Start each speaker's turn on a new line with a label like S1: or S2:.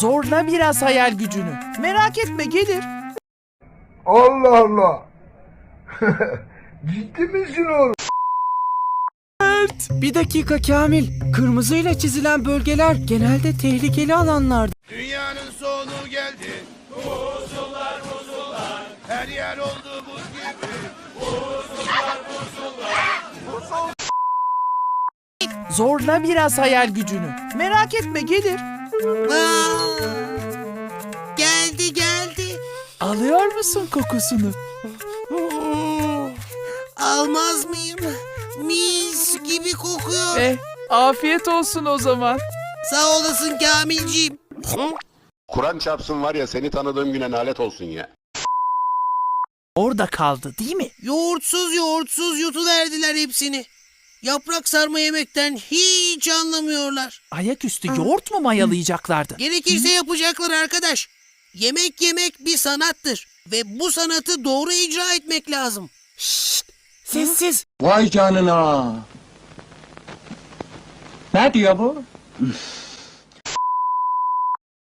S1: Zorla biraz hayal gücünü. Merak etme, gelir.
S2: Allah Allah. Ciddi misin oğlum?
S3: Bir dakika Kamil. Kırmızıyla çizilen bölgeler genelde tehlikeli alanlardır.
S4: Dünyanın sonu geldi. Buzullar buzullar. Her yer oldu buz gibi. Buzullar buzullar.
S1: Zorla biraz hayal gücünü. Merak etme, gelir.
S5: Geldi geldi.
S1: Alıyor musun kokusunu?
S5: Almaz mıyım? Mis gibi kokuyor.
S1: Afiyet olsun o zaman.
S5: Sağ olasın Kamilciğim.
S6: Kur'an çarpsın var ya, seni tanıdığım güne lanet olsun ya.
S1: Orada kaldı değil mi?
S5: Yoğurtsuz yutuverdiler hepsini. Yaprak sarma yemekten hiç anlamıyorlar.
S1: Ayaküstü yoğurt mu mayalayacaklardı?
S5: Gerekirse yapacaklar arkadaş. Yemek yemek bir sanattır. Ve bu sanatı doğru icra etmek lazım.
S1: Sessiz.
S7: Vay canına. Ne diyor bu? Üf.